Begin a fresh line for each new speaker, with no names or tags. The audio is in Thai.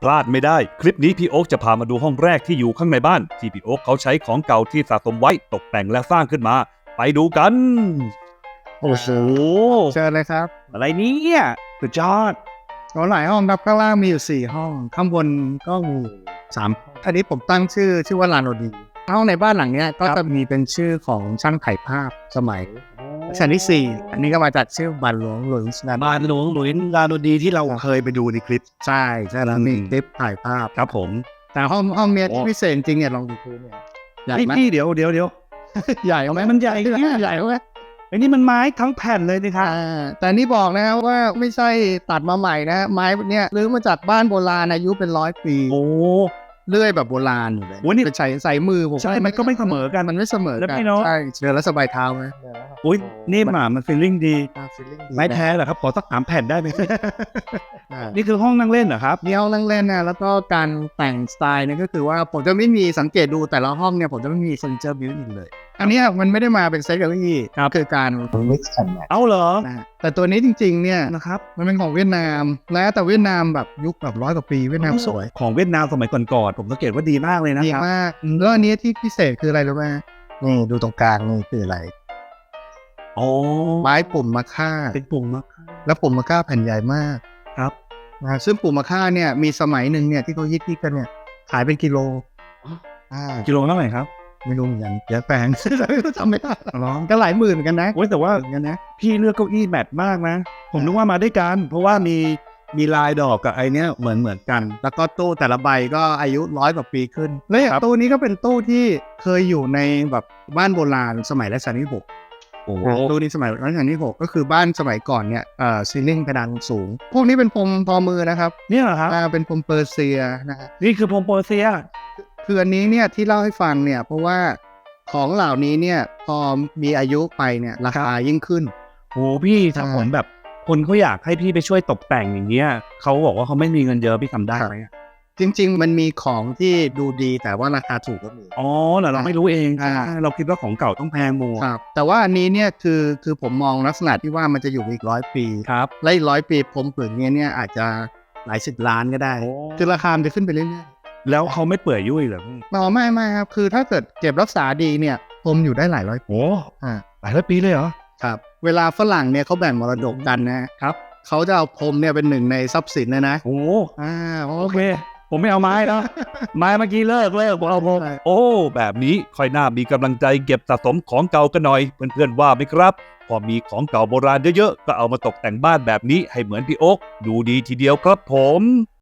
ลาดไม่ได้คลิปนี้พี่โอ๊คจะพามาดูห้องแรกที่อยู่ข้างในบ้านที่พี่โอ๊คเขาใช้ของเก่าที่สะสมไว้ตกแต่งและสร้างขึ้นมาไปดูกันโอ้โห
เชิญเลยครับ
อะไรเนี่ยสุดยอด
ก็หลายห้องครับข้างล่างมีอยู่4ห้องข้างบนก็มี3อันนี้ผมตั้งชื่อว่าลานโอดีห้องในบ้านหลังเนี้ยก็จะมีเป็นชื่อของช่างถ่ายภาพสมัยรัชกาลที่4อันนี้ก็มาจากชื่อบานหลวงหลุยส์นะ
บ้านหลวงหลุยส์ลาโนดีที่เราเคยไปดูในคลิป
ใช่แล้วมีคลิปถ่ายภาพ
ครับผม
แต่ห้องเนี้ย
โอ้
ที่พิเศษจริงเนี่ยลองดูพื้นเนี่ยใหญ่ไหม
พี่เดี๋ยว
ใหญ่ไหม
มันใหญ่เนี่ย
ใหญ่ไหม
ไอ้นี่มันไม้ทั้งแผ่นเลยนี่ครับ
แต่นี่บอกนะครับว่าไม่ใช่ตัดมาใหม่นะไม้เนี่ยรื้อมาจากบ้านโบราณอายุเป็น100 ปี
โอ้
เลื่อยแบบโบราณอยู่เลย
โอ้นี่
เป็นใส่มือผม
ใช่มันก็ไม่เสมอกัน
มันไม่เสมอ
แล้ว
กั
พี่เนอะ
ใช่เดินแล้วสบายเท้าไหม
อุ้ยนี่หมามันฟีลลิ่งดี
feeling ดี
ไม้แท้เหรอครับขอสัก3 แผ่นได้ไหม
อ่า
นี่คือห้องนั่งเล่นเหรอครับ
นี่ห้องนั่งเล่นนะแล้วก็การแต่งสไตล์เนี่ยก็คือว่าผมจะไม่มีสังเกตดูแต่ละห้องเนี่ยผมจะไม่มีเฟอร์นิเจอร์บิวต์อินเลย อันเนี้ยมันไม่ได้มาเป็นเซ็ตเก้าอี้
ครับ
คือการ mix and match
เอาเหรอ
นะฮะแต่ตัวนี้จริงๆเนี่ย
นะครับ
มันเป็นของเวียดนามแล้วแต่เวียดนามแบบยุคแบบ100 กว่าปีเวียดนามสวย
ของเวียดนามสมัยก่อนๆผมสังเกตว่าดีมากเลยนะ
ดี
ครับ
มากแล้วอันนี้ที่พิเศษคืออะไรรู้ไหมนี่ดูตรงกลางนี่คืออะไร
อ๋อ
ไม้ปุ่มมะค่า
เป็นปุ่มมะค่า
แล้วปุ่มมะค่าแผ่นใหญ่มาก
ครับ
นะซึ่งปุ่มมะค่าเนี่ยมีสมัยหนึ่งเนี่ยที่เขาฮิตกันเนี่ยขายเป็นกิโลอ่า
กิโลเท่าไหร่ครับ
ไม่รู้เหมือนกันเดี๋ยวแพง จำไม่ได้
ร้อง
ก็หลายหมื่นเหมือนกันนะ
โอ้ยแต่ว่า
เหมือนกันนะ
พี่เลือกเก้าอี้แมทมากนะ ผมนึกว่ามาด้วยกัน เพราะว่ามีลายดอกกับไอเนี้ยเหมือนกัน
แล้วก็ตู้แต่ละใบก็อายุ100 กว่าปีขึ้นแล้วอย่าง
ครับ
ตู้นี้ก็เป็นตู้ที่เคยอยู่ในแบบบ้านโบราณสมัยรัชกาลที่6
โอ้โห
ตู้นี้สมัยรัชกาลที่6ก็คือบ้านสมัยก่อนเนี่ยซีลิ่งเพดานสูง พวกนี้เป็นพรมทอมือนะครับ
เนี่ยเหรอครับ
เป็นพรมเปอร์เซียนะฮะ
นี่คือพรมเปอร์เซีย
คืออันนี้เนี่ยที่เล่าให้ฟังเนี่ยเพราะว่าของเหล่านี้เนี่ยพอมีอายุไปเนี่ยราคายิ่งขึ้น
โหพี่ถ้า
ใช่
ผมแบบคนเขาอยากให้พี่ไปช่วยตกแต่งอย่างเงี้ยเขาบอกว่าเขาไม่มีเงินเยอะพี่ทำได้ไหมอะ
จริงๆ มันมีของที่ดูดีแต่ว่าราคาถูกก็มี
อ๋อเหรอเราไม่รู้เอง
อ่า
เราคิดว่าของเก่าต้องแพงหมด
ครับแต่ว่าอันนี้เนี่ยคือผมมองลักษณะที่ว่ามันจะอยู่อีก100 ปี
ครับ
และอีก100 ปีผมผืนนี้เนี่ยอาจจะหลาย10 ล้านก็ได้
โอ้
คือราคามันจะขึ้นไปเรื่อย
แล้วเขาไม่เปื่อยยุ่ยเหรอพี่
ๆไม่ครับคือถ้าเกิดเก็บรักษาดีเนี่ยผมอยู่ได้หลายร้อยปี
โอ้
อ่า
หลายร้อยปีเลยเหรอ
ครับเวลาฝรั่งเนี่ยเขาแบ่งมรดกกันนะครับ เขาจะเอาพรมเนี่ยเป็นหนึ่งในทรัพย์สินเลยนะ
โอ้
เพราะ
โอ
ว่า
เค ผมไม่เอาไม้แล้ว ไม้เมื่อกี้เลิกผมเอาพรม
ใช่
โอ้แบบนี้ค่อยน่ามีกำลังใจเก็บสะสมของเก่ากันหน่อยเพื่อนๆว่าไหมครับ พอมีของเก่าโบราณเยอะๆก็เอามาตกแต่งบ้านแบบนี้ให้เหมือนพี่โอ๊คดูดีทีเดียวครับผม